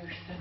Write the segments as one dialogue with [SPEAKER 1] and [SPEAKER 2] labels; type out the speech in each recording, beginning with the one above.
[SPEAKER 1] coś ten...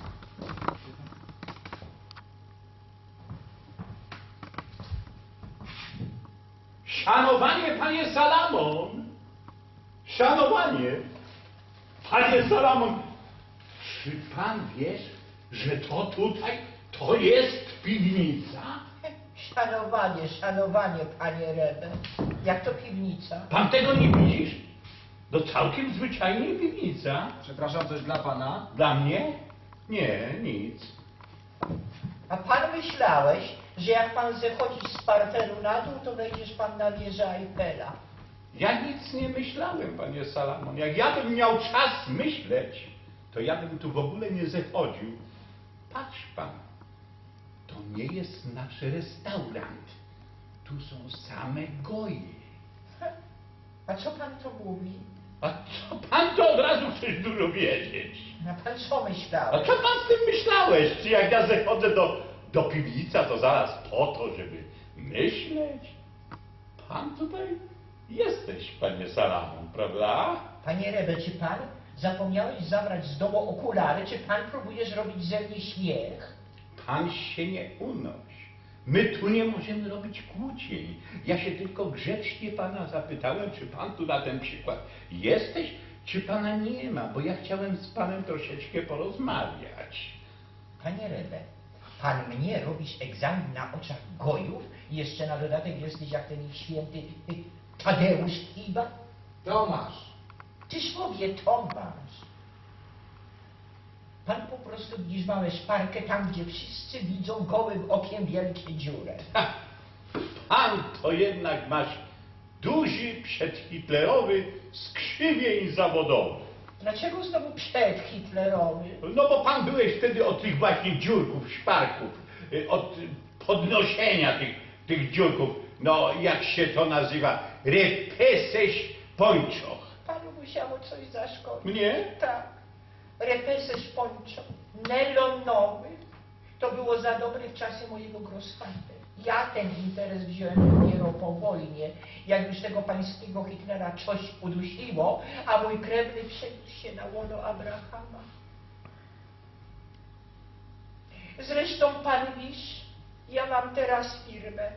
[SPEAKER 1] Szanowanie, panie Salamon! Szanowanie! Panie Salamon! Czy pan wiesz, że to tutaj, to jest piwnica?
[SPEAKER 2] Szanowanie, panie Rebe. Jak to piwnica?
[SPEAKER 1] Pan tego nie widzisz? To całkiem zwyczajnie piwnica.
[SPEAKER 3] Przepraszam, coś dla pana?
[SPEAKER 1] Dla mnie? Nie, nic.
[SPEAKER 2] A pan myślałeś, że jak pan zechodzisz z parteru na dół, to wejdziesz pan na wieżę Eiffela.
[SPEAKER 1] Ja nic nie myślałem, panie Salamon. Jak ja bym miał czas myśleć, to ja bym tu w ogóle nie zechodził. Patrz pan, to nie jest nasz restaurant. Tu są same goje.
[SPEAKER 2] A co pan to mówi?
[SPEAKER 1] A co pan to od razu chcesz dużo wiedzieć?
[SPEAKER 2] A pan co
[SPEAKER 1] A
[SPEAKER 2] myślałeś?
[SPEAKER 1] co pan z tym myślałeś? Czy jak ja zachodzę do piwnica, to zaraz po to, żeby myśleć? Pan tutaj jesteś, panie Salamon, prawda?
[SPEAKER 2] Panie Rebe, czy pan zapomniałeś zabrać z domu okulary? Czy pan próbujesz robić ze mnie śmiech?
[SPEAKER 1] Pan się nie unoś. My tu nie możemy robić kłócień. Ja się tylko grzecznie pana zapytałem, czy pan tu na ten przykład jesteś, czy pana nie ma, bo ja chciałem z panem troszeczkę porozmawiać.
[SPEAKER 2] Panie Rebe, pan mnie robisz egzamin na oczach gojów i jeszcze na dodatek jesteś jak ten ich święty Tadeusz Kiba?
[SPEAKER 3] Tomasz.
[SPEAKER 2] Tyż mówię Tomasz. Pan po prostu widzisz małe szparkę tam, gdzie wszyscy widzą gołym okiem wielkie dziurę.
[SPEAKER 1] Ha, pan to jednak masz duży przedhitlerowy skrzywień zawodowy.
[SPEAKER 2] Dlaczego znowu przedhitlerowy?
[SPEAKER 1] No bo pan byłeś wtedy od tych właśnie dziurków, szparków, od podnoszenia tych dziurków, no jak się to nazywa, repeseś pończoch.
[SPEAKER 2] Panu musiało coś zaszkodzić.
[SPEAKER 1] Mnie?
[SPEAKER 2] Tak. Repeses poncho, nelonowy. To było za dobre w czasy mojego grossfatera. Ja ten interes wziąłem dopiero po wojnie, jak już tego pańskiego Hitlera coś udusiło, a mój krewny przeniósł się na łono Abrahama. Zresztą pan wiesz, ja mam teraz firmę.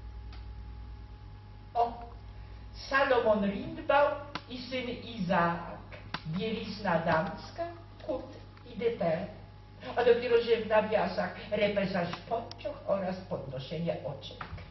[SPEAKER 2] O, Salomon Lindbau i syn Izaak. Bielizna damska, kut i deter. A dopiero, że w nawiasach repesaż pończoch oraz podnoszenie oczek.